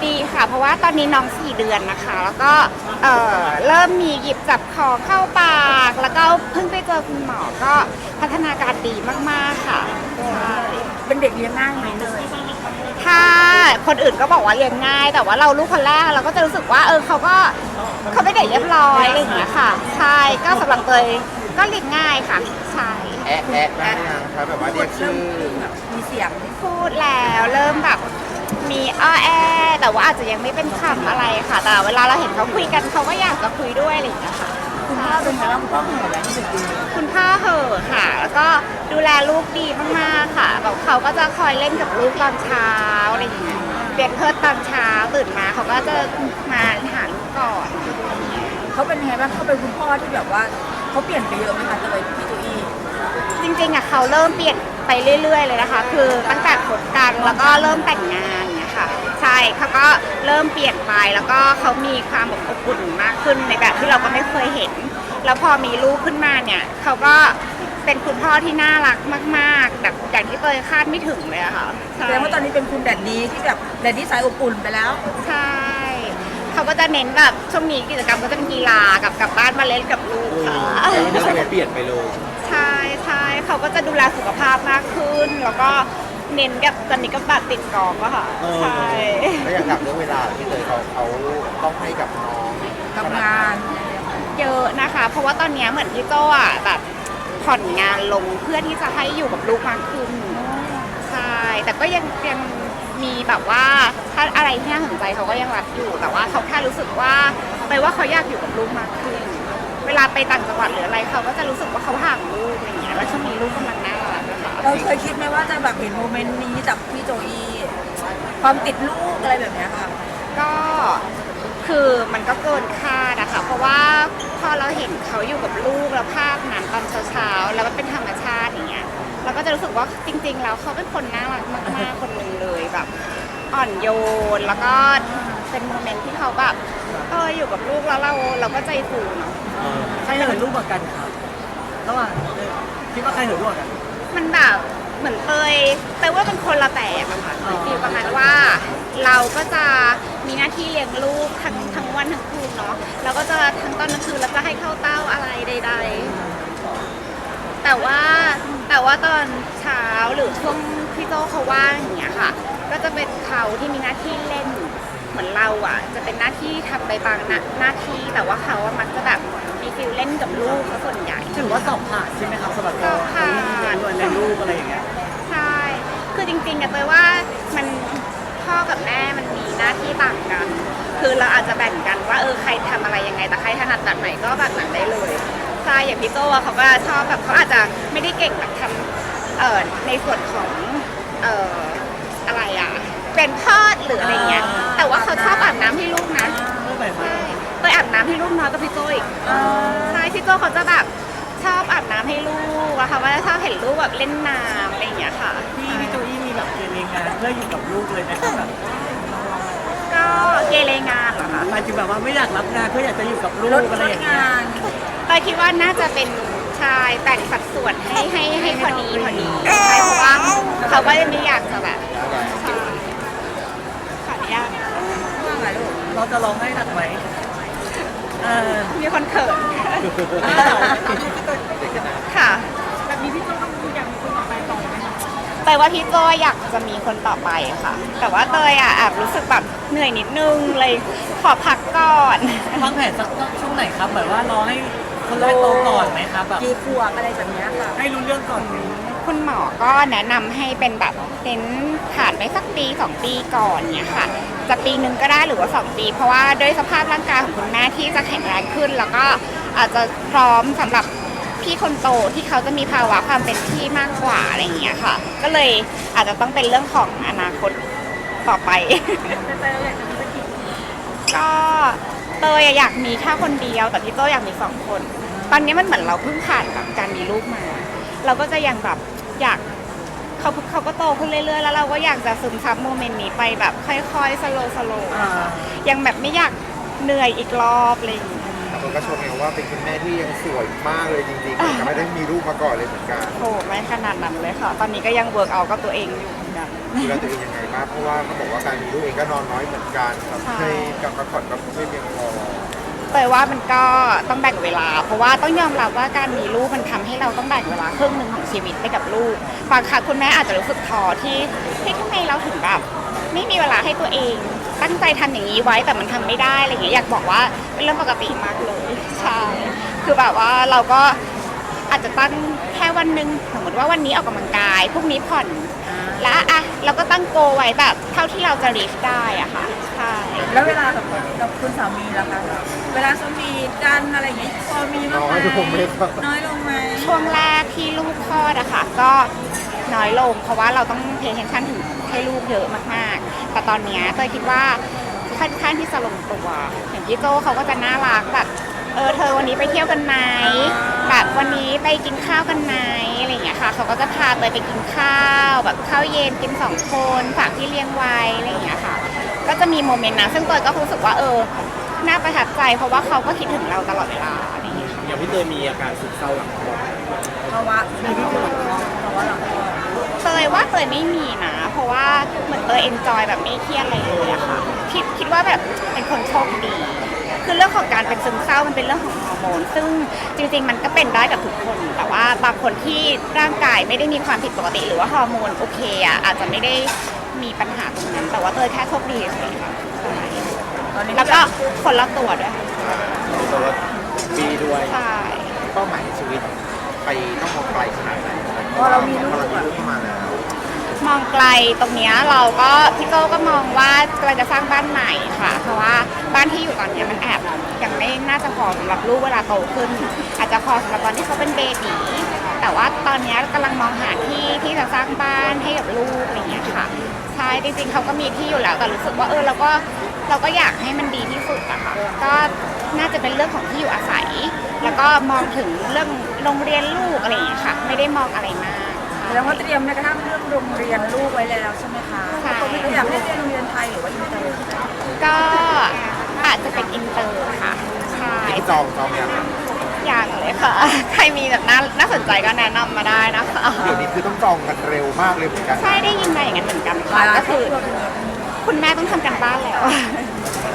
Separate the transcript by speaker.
Speaker 1: ดีค่ะเพราะว่าตอนนี้น้อง4 เดือนนะคะแล้วก็เริ่มมีหยิบจับคอเข้าปากแล้วก็เพิ่งไปเจอคุณหมอก็พัฒนาการดีมากๆค่ะใช่
Speaker 2: เป็นเด็กเลี้ยงง่ายไหมเลย
Speaker 1: ถ้าคนอื่นก็บอกว่าเลี้ยงง่ายแต่ว่าเราลูกคนแรกเราก็จะรู้สึกว่าเขาเป็นเด็กเรียบร้อยอะไรอย่างเงี้ยค่ะใช่ก็สำหรับเตยก็เลี้ยงง่ายค่ะใช่
Speaker 3: แอะแอะได้ยังครับแบบว่าเรียกชื่อ
Speaker 2: มีเสียง
Speaker 1: พูดแล้วเริ่มแบบมีแอแต่ว่าอาจจะยังไม่เป็นคำอะไรค่ะแต่เวลาเราเห็นเขาคุยกันเขาก็อยากจะคุยด้วยอะไรอย่างเงี้ยค่ะ
Speaker 2: คุณพ่อเป็นไงบ้างคุณพ่อเหนื่อยไหมที่สุดดี
Speaker 1: คุณพ่อเหอะค่ะแล้วก็ดูแลลูกดีมากๆค่ะแบบเขาก็จะคอยเล่นกับลูกตอนเช้าอะไรอย่างเงี้ยเปลี่ยนเพิร์ดตอนเช้าตื่นมาเขาก็จะมาหาลูกก่อน
Speaker 2: เขาเป็นไงบ้างเขาเป็นคุณพ่อที่แบบว่าเขาเปลี่ยนไปเยอะไหมคะเลยพี่จุอี้
Speaker 1: จริงๆอ่ะเขาเริ่มเปลี่ยนไปเรื่อยๆเลยนะคะคือตั้งแต่คบกันแล้วก็เริ่มแต่งงานเนี่ยค่ะใช่เขาก็เริ่มเปลี่ยนไปแล้วก็เขามีความอบอุ่นมากขึ้นในแบบที่เราก็ไม่เคยเห็นแล้วพอมีลูกขึ้นมาเนี่ยเขาก็เป็นคุณพ่อที่น่ารักมากๆแบบอย่างที่เตยคาดไม่ถึงเลยอะค่ะ
Speaker 2: แสดงว่าตอนนี้เป็นคุณแดดดีที่แบบแดดดีสายอบอุ่นไปแล้ว
Speaker 1: ใช่เขาก็จะเน้นแบบช่วงนี้กิจกรรมก็จะเป็นกีฬากับกลับบ้านมาเล่นกับลูกค่ะ
Speaker 3: นิสัยเปลี่ยนไปเลย
Speaker 1: ใช่ใช่เขาก็จะดูแลสุขภาพมากขึ้น แล้วก็เน้นกับตอนนี้ก็บัตรติดกอล์ฟอะค่ะใช่
Speaker 3: แล้วอย่างกับเรื่องเวลาที่เลยเขาต้องให้กับน้อง
Speaker 2: ทำงาน
Speaker 1: เยอะนะคะ เพราะว่าตอนนี้เหมือนพี่โจ้อะแบบผ่อนงานลงเพื่อที่จะให้อยู่กับลูกมากขึ้นใช่แต่ก็ยังมีแบบว่าถ้าอะไรที่น่าสนใจเขาก็ยังรับอยู่แต่ว่าเขาแค่รู้สึกว่าเขาอยากอยู่กับลูกมากขึ้น เวลาไปต่างจังหวัดหรืออะไรเขาก็จะรู้สึกว่าเขาห่างลูกอะไรอย่างเงี้ยแล้วช่วงนี้ลูกกำลังน่ารักนะคะ
Speaker 2: เราเคยคิดไหมว่าจะแบบเห็นโมเมนต์นี้จากพี่โจอี้ความติดลูกอะไรแบบเนี้ยค่ะ
Speaker 1: ก็คือมันก็เกินคาดอะค่ะเพราะว่าพอเราเห็นเขาอยู่กับลูกแล้วภาพนั้นตอนเช้าๆแล้วมันเป็นธรรมชาติอย่างเงี้ยเราก็จะรู้สึกว่าจริงๆแล้วเขาเป็นคนน่ารักมากๆคนหนึ่งเลยแบบอ่อนโยนแล้วก็เป็นโมเมนต์ที่เขาแบบอยู่กับลูกแล้วเราก็ใจฟูเนาะ
Speaker 4: ใครเหินรูปกว่ากันครับระหว่างคิดว่าใครเหินรูปกว่ากัน
Speaker 1: มันแบบเหมือนเตยว่าเป็นคนละแบบอะค่ะฟีลประมาณว่าเราก็จะมีหน้าที่เลี้ยงลูกทั้งวันทั้งคืนเนาะเราก็จะทั้งตอนกลางคืนแล้วจะให้เข้าเต้าอะไรใดๆแต่ว่าตอนเช้าหรือช่วงพี่โตเขาว่างอย่างเงี้ยค่ะก็จะเป็นเขาที่มีหน้าที่เล่นเหมือนเราอ่ะจะเป็นหน้าที่ทำไปบางหน้าที่แต่ว่าเขาอะมักจะแบบมีฟิลเล่นกับลูกซะส่วนใหญ่
Speaker 4: ถือว่าสอบผ่านใช่ไหมครับสำหรับ
Speaker 1: สอบผ่าน
Speaker 4: เรียนรูปอะไรอย่างเงี้ย
Speaker 1: ใช่ คือจริงๆอะเตยว่ามันพ่อกับแม่มันมีหน้าที่ต่างกัน คือเราอาจจะแบ่งกันว่าใครทำอะไรยังไงแต่ใครถนัดแบบไหนก็แบบนั้นได้เลยใช่อย่างพี่โตอะเขาก็ชอบแบบเขาอาจจะไม่ได้เก่งแบบทำในส่วนของอะไรอะเป็นทอดหรืออะไรเงี้ย แต่ว่าเขาชอบอาบน้ำให้ลูกนะ
Speaker 4: รูปแบบ
Speaker 1: ใช่เตยอาบน้ำให้ลูกน้อยกับพี่โตอีกใช่พี่โตเขาจะแบบชอบอาบน้ำให้ลูกอะค่ะว่าชอบเห็นลูกแบบเล่นน้ำอะไรอย่างเงี้ยค่ะ
Speaker 4: พี่โจอี้มีแบบเรียนงานเพื่ออยู่กับลูกเลยนะครับแบบ
Speaker 1: ก็เกเรงานเหรอคะ
Speaker 4: หมายถึงแบบว่าไม่อยากรับงานเพื่ออยากจะอยู่กับลู
Speaker 2: ล
Speaker 4: ก
Speaker 2: ด
Speaker 4: อะไรอย่างเงี้ย
Speaker 2: งาน
Speaker 1: เตยคิดว่าน่าจะเป็นชายแต่งสัดส่วนให้พอดีใช่เพราะว่าเขาก็ไม่อยากจะแบบใช่ขออนุญาต
Speaker 2: ว่าไงลูก
Speaker 4: เราจะร้องให้หนักไหม
Speaker 1: มีคนเขินค่ะ
Speaker 2: แบบนี้พี่โจต้องอยากมีคนต่อไปต่อไหมคะ
Speaker 1: เตยว่าพี่โจอยากจะมีคนต่อไปค่ะ แต่ว่าเตยแอบรู้สึกแบบเหนื่อยนิดนึงเลยขอพักก่อน
Speaker 4: วางแผนสักช่วงไหนครับแบบว่ารอให้คนแรกโตก่อนไหมครับแบบ
Speaker 2: กี่ขวบอะไรแบบเนี้ยค่ะ
Speaker 4: ให้รู้เรื่องก่อน
Speaker 1: คุณหมอก็แนะนำให้เป็นแบบเน้นผ่านไปสักปี2 ปีก่อนเนี่ยค่ะจะปีนึงก็ได้หรือว่า2 ปีเพราะว่าด้วยสภาพร่างกายของคุณแม่ที่จะแข็งแรงขึ้น แล้วก็อาจจะพร้อมสำหรับพี่คนโตที่เขาจะมีภาวะความเป็นพี่มากกว่าอะไรอย่างเงี้ยค่ะ ก็เลยอาจจะต้องเป็นเรื่องของอนาคตต่อไป ก็เตยอยากมีแค่คนเดียวแต่พี่โตอยากมี2 คน ตอนนี้มันเหมือนเราเพิ่งผ่านกับการมีลูกมา เราก็จะยังแบบอยากเขาก็โตขึ้นเรื่อยๆแล้วเราก็อยากจะซึมซับโมเมนต์นี้ไปแบบค่อยๆสโลว์ยังแบบไม่อยากเหนื่อยอีกรอบอะไรอย่างเลย
Speaker 3: แต่คนก็ชมไงว่าเป็นคุณแม่ที่ยังสวยมากเลยจริงๆแต่ไม่ได้มีลูกมาก่อนเลยเหมือนกัน
Speaker 1: โอ้ไม่ขนาดนั้นเลยค่ะ ตอนนี้ก็ยังเวิร์กเอากับตัวเองอยู่
Speaker 2: อนกัน
Speaker 3: ดูแลตัวเองยังไงบ้างเพราะว่าเขาบอกว่าการมีลูกเองก็นอนน้อยเหมือนกันครับ
Speaker 1: ใช่
Speaker 3: ให้กับพักผ่อนก็ไม่เพียงพอ
Speaker 1: เตยว่ามันก็ต้องแบ่งเวลา เพราะว่าต้องยอมรับว่าการมีลูกมันทำให้เราต้องแบ่งเวลาครึ่งหนึ่งของชีวิตไปกับลูกบางครั้งคุณแม่อาจจะรู้สึกท้อที่ทำไมเราถึงแบบไม่มีเวลาให้ตัวเอง ตั้งใจทำอย่างนี้ไว้แต่มันทำไม่ได้อะไรอย่างเงี้ยอยากบอกว่าเป็นเรื่องปกติมากเลยใช่คือแบบว่าเราก็อาจจะตั้งแค่วันหนึ่งสมมติว่าวันนี้ออกกำลังกายพรุ่งนี้ผ่อนแล้วอ่ะเราก็ตั้งโกไว้แบบเท่าที่เราจะรีชได้อะค่ะใช่
Speaker 2: แล้วเวลากับคุณสามีล่ะคะเวลาสวีทกันอะไรอย่างงี้พอมีบ้างไหม
Speaker 3: น้อยลงไหมครับ
Speaker 2: น้อยลงไหม
Speaker 1: ช่วงแรกที่ลูกคลอดอะค่ะก็น้อยลงเพราะว่าเราต้องเพย์เทนชั่นถึงให้ลูกเยอะมากๆ แต่ตอนเนี้ยเตยคิดว่าค่อนข้างที่จะลงตัวอย่างพี่โจเขาก็จะน่ารักแบบเธอวันนี้ไปเที่ยวกันไหมแบบวันนี้ไปกินข้าวกันไหมอะไรอย่างเงี้ยค่ะเขาก็จะพาเตยไปกินข้าวแบบข้าวเย็นกิน2 คนฝากที่เลี้ยงไว้อะไรอย่างเงี้ยค่ะก็จะมีโมเมนต์นะซึ่งเตยก็รู้สึกว่าน่าประทับใจเพราะว่าเขาก็คิดถึงเราตลอดเวลาอะไรอย่างเงี้ยค่ะ
Speaker 4: อย่างพี่เตยมีอาการซึมเศร้าหลังคลอด
Speaker 2: ภาวะในที่สุดภาวะหลังคลอด
Speaker 1: เตยว่าเตยไม่มีนะ เพราะว่าเหมือนเตยเอนจอยแบบไม่เครียดอะไรเลยอะค่ะคิดว่าแบบเป็นคนโชคดี คือเรื่องของการเป็นซึมเศร้ามันเป็นเรื่องของฮอร์โมน ซึ่งจริงๆมันก็เป็นได้กับทุกคน แต่ว่าบางคนที่ร่างกายไม่ได้มีความผิดปกติหรือว่าฮอร์โมนโอเคอะอาจจะไม่ได้มีปัญหาตรงนั้น แต่ว่าเตยแค่โชคดีเฉยๆค่ะใช่
Speaker 2: ตอนนี้
Speaker 1: แล้วก็คนรอบตัวด้วย
Speaker 3: แต่ว่า
Speaker 4: ปีด้วย
Speaker 1: ใช่
Speaker 3: เป้าหมายในชีวิตไปต้องมองไกลขนาดไหน
Speaker 2: พอเรามีลูก
Speaker 3: พอเรามี
Speaker 2: อะ
Speaker 3: ลูกเข้ามาแล้ว
Speaker 1: มองไกลตรงเนี้ยเราก็พี่โก้ก็มองว่ากำลังจะสร้างบ้านใหม่ค่ะ เพราะว่าบ้านที่อยู่ตอนเนี้ยมันแอบยังไม่น่าจะพอสำหรับลูกเวลาโตขึ้น อาจจะพอสำหรับตอนที่เขาเป็นเบบีแต่ว่าตอนเนี้ยกำลังมองหาที่จะสร้างบ้านให้กับลูกอะไรเงี้ยค่ะใช่จริงๆเขาก็มีที่อยู่แล้วแต่รู้สึกว่าเราก็อยากให้มันดีที่สุดอะค่ะก็น่าจะเป็นเรื่องของที่อยู่อาศัย แล้วก็มองถึงเรื่องโรงเรียนลูกอะไรอย่างเงี้ยค่ะไม่ได้มองอะไรมาก
Speaker 2: แล้วก็เตรียมแม้กระทั่งเรื่องโรงเรียนลูกไว้แล้วใช่ไหมคะ
Speaker 1: ใช่
Speaker 2: อยากให้เรียนโรงเรียนไทยหรือว่าอินเตอร์
Speaker 1: ก็อาจจะเป็นอินเตอร์ค่ะใช่
Speaker 3: ที่จองยังครับ
Speaker 1: อย่างเลยค่ะ ใครมีแบบน่าสนใจก็แนะนำมาได้นะคะ
Speaker 3: เดี๋ยวนี้คือต้องจองกันเร็วมากเลยเหมือนกัน
Speaker 1: ใช่ได้ยินมาอย่างนั้นเหมือนกันค่ะก็คือคุณแม่ต้องทำกันบ้านแล้ว